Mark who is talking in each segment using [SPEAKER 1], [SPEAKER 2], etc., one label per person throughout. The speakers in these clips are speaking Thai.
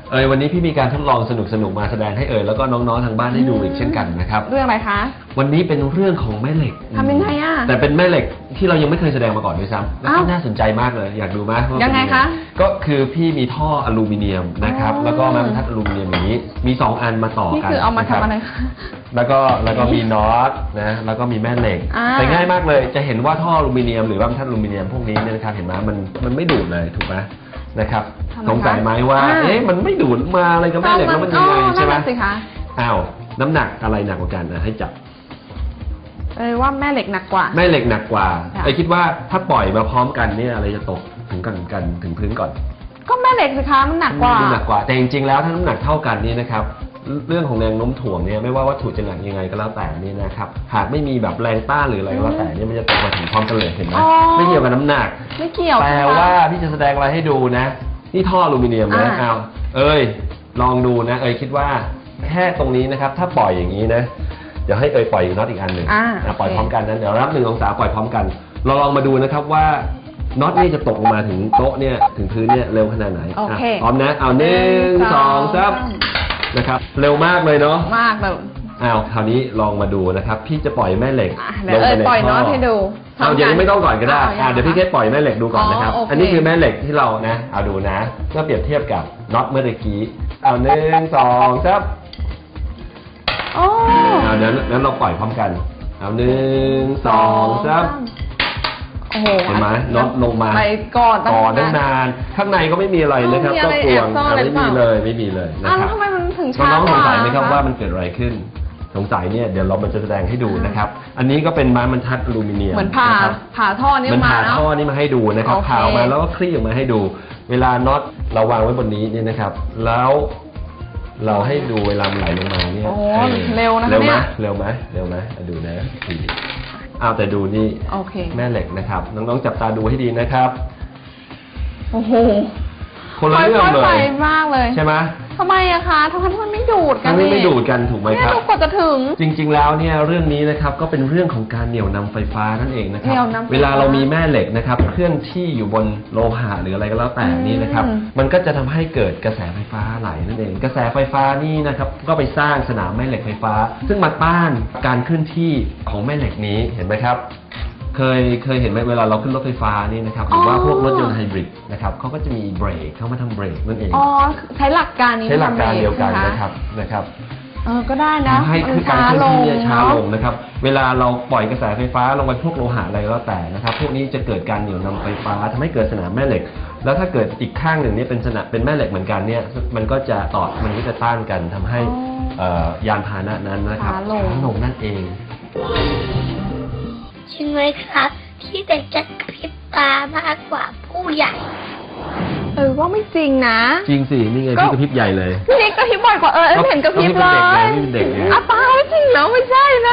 [SPEAKER 1] วันนี้พี่มีการทดลองสนุกมาแสดงให้แล้วก็น้องๆทางบ้านได้ดูอีกเช่นกันนะครับ
[SPEAKER 2] เรื่องอะไรคะ
[SPEAKER 1] วันนี้เป็นเรื่องของแม่เหล็ก
[SPEAKER 2] ทำยังไงอ่ะ
[SPEAKER 1] แต่เป็นแม่เหล็กที่เรายังไม่เคยแสดงมาก่อนด้วยซ้ำแล้วก็น่าสนใจมากเลยอยากดูไหม
[SPEAKER 2] ยังไงคะ
[SPEAKER 1] ก็คือพี่มีท่ออลูมิเนียมนะครับแล้วก็ไม้บรรทัดอลูมิเนียมอย่างนี้มี2อันมาต่อกัน
[SPEAKER 2] นี่คือเอามาทำอะไรคะ
[SPEAKER 1] แล้วก็มีน็อตนะแล้วก็มีแม่เหล็กแต่ง่ายมากเลยจะเห็นว่าท่ออลูมิเนียมหรือว่าบรรทัดอลูมิเนียมพวกนี้เนี่ยนะครับเห็นไหมมันไม่ดูดเลยถูกไหมนะครับสงสัยไหมว่ามันไม่ดูดมาอะไรกับแม่เหล็กแล้วมันยังไงใช่ไหมอ้าวน้ำหนักอะไรหนักกว่ากันให้จับ
[SPEAKER 2] ว่าแม่เหล็กหนักกว่า
[SPEAKER 1] แม่เหล็กหนักกว่าคิดว่าถ้าปล่อยมาพร้อมกันเนี่ยอะไรจะตกถึงถึงพื้นก่อน
[SPEAKER 2] ก็แม่เหล็กสิคะมันหนักก
[SPEAKER 1] ว่าแต่จริงๆแล้วถ้าน้ำหนักเท่ากันนี่นะครับเรื่องของแรงโน้มถ่วงเนี่ยไม่ว่าวัตถุจะหนักยังไงก็แล้วแต่นี่นะครับหากไม่มีแบบแรงต้านหรืออะไรก็แล้วแต่เนี่ยมันจะตกมาถึงพร้อมกันเลยเห็นไหมไม่เกี่ยวกับน้ำหนัก
[SPEAKER 2] ไม่เกี่ยว
[SPEAKER 1] แต่ว่าพี่จะแสดงอะไรให้ดูนะนี่ท่ออลูมิเนียมนะลองดูนะคิดว่าแค่ตรงนี้นะครับถ้าปล่อยอย่างนี้นะเดี๋ยวให้ปล่อยน็อตอีกอันหนึ่งปล่อยพร้อมกันนะเดี๋ยวรับ1 องศาปล่อยพร้อมกันเราลองมาดูนะครับว่าน็อตนี่จะตกลงมาถึงโต๊ะเนี่ยถึงพื้นเนี่ยเร็วขนาดไหนพร้อมนะเอา1 2 3นะครับเร็วมากเลยเนาะ
[SPEAKER 2] มากแบบ
[SPEAKER 1] คราวนี้ลองมาดูนะครับพี่จะปล่อยแม่เหล็ก
[SPEAKER 2] ลงไปในท่อปล่อยน็อตให้ดู
[SPEAKER 1] อย่างนี้ไม่ต้องก่อนก็ได้เดี๋ยวพี่แค่ปล่อยแม่เหล็กดูก่อนนะครับอันนี้คือแม่เหล็กที่เรานะเอาดูนะก็เปรียบเทียบกับน็อตเมื่อกี้เอา1 2 3นั้นเราปล่อยพร้อมกันเอา1 2 3เห็นไหมน็อตลงมา
[SPEAKER 2] ไปก่อน
[SPEAKER 1] ตั้งนานข้างในก็ไม่มีอะไรนะครับก็กลวงไม่มีเลยนะครับ
[SPEAKER 2] ทำไมมันถึงช้า
[SPEAKER 1] น้องสงสัยไหมครับว่ามันเกิดอะไรขึ้นสงสัยเนี่ยเดี๋ยวเราจะแสดงให้ดูนะครับอันนี้ก็เป็นไม้บรรทัดอลูมิเนียม
[SPEAKER 2] เหมือนผ่าท่อนี้มา
[SPEAKER 1] ผ่าท่อนี้มาให้ดูนะครับผ่าออกมาแล้วก็คลี่ออกมาให้ดูเวลาน็อตเราวางไว้บนนี้เนี่ยนะครับแล้วเราให้ดูเวลามันไหลลงมาเนี่ย
[SPEAKER 2] เร็วนะ
[SPEAKER 1] เนี่ยเร็วไหมดูนะแต่ดูนี่แม่เหล็กนะครับน้องๆจับตาดูให้ดีนะครับ
[SPEAKER 2] โอ้โห
[SPEAKER 1] คนละเรื่องเลย
[SPEAKER 2] มากเลย
[SPEAKER 1] ใช่ไหม
[SPEAKER 2] ทำไมอะคะทำไมมันไม่ดูดกัน
[SPEAKER 1] ไม่ดูดกันถูกไหมครับ
[SPEAKER 2] กว่าจะถึง
[SPEAKER 1] จริงๆแล้วเนี่ยเรื่องนี้นะครับก็เป็นเรื่องของการเหนี่ยวนำไฟฟ้านั่นเองนะครับเวลาเรามีแม่เหล็กนะครับเคลื่อนที่อยู่บนโลหะหรืออะไรก็แล้วแต่นี่นะครับมันก็จะทำให้เกิดกระแสไฟฟ้าไหลนั่นเองกระแสไฟฟ้านี่นะครับก็ไปสร้างสนามแม่เหล็กไฟฟ้าซึ่งมาต้านการเคลื่อนที่ของแม่เหล็กนี้เห็นไหมครับเคยเห็นไหมเวลาเราขึ้นรถไฟฟ้านี่นะครับหรือว่าพวกรถยนต์ไฮบริดนะครับเขาก็จะมีเบรกเข้ามาทำเบรกนั่นเอง
[SPEAKER 2] ใช้หลักการนี้
[SPEAKER 1] ใช้หลักการเดียวกันนะครับ
[SPEAKER 2] ก็ได้นะ
[SPEAKER 1] ให้คือการเคลื่อนที่ช้าลงนะครับเวลาเราปล่อยกระแสไฟฟ้าลงไปพวกโลหะอะไรก็แล้วแต่นะครับพวกนี้จะเกิดการเหนี่ยวนำไฟฟ้าทำให้เกิดสนามแม่เหล็กแล้วถ้าเกิดอีกข้างหนึ่งนี่เป็นแม่เหล็กเหมือนกันเนี่ยมันก็จะต้านกันทำให้ยานพาหนะนั้นนะครับช้าลงนั่นเอง
[SPEAKER 3] ใช่ไหมครับที่เด็กจะกระพริบตามากกว่าผู้ใหญ่
[SPEAKER 2] ว่าไม่จริงนะ
[SPEAKER 1] จริงสินี่ไงพี่กระพริบใหญ่เลย
[SPEAKER 2] พี่กระพริบบ่อยกว่าเห็นกระพริบเลย
[SPEAKER 1] นี่เป็นเด็ก
[SPEAKER 2] นะป้าไม่จริงแล้วไม่ใช่นะ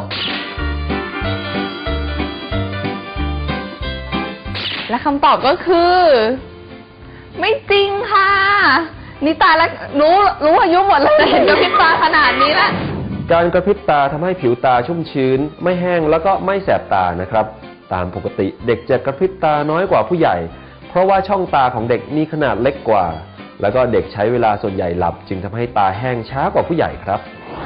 [SPEAKER 2] และคำตอบก็คือไม่จริงค่ะนี่ตายแล้วรู้อายุหมดเลยเห็นกระพริบตาขนาดนี้แล้ว
[SPEAKER 1] การกระพริบตาทำให้ผิวตาชุ่มชื้นไม่แห้งแล้วก็ไม่แสบตานะครับตามปกติเด็กจะกระพริบตาน้อยกว่าผู้ใหญ่เพราะว่าช่องตาของเด็กมีขนาดเล็กกว่าแล้วก็เด็กใช้เวลาส่วนใหญ่หลับจึงทำให้ตาแห้งช้ากว่าผู้ใหญ่ครับ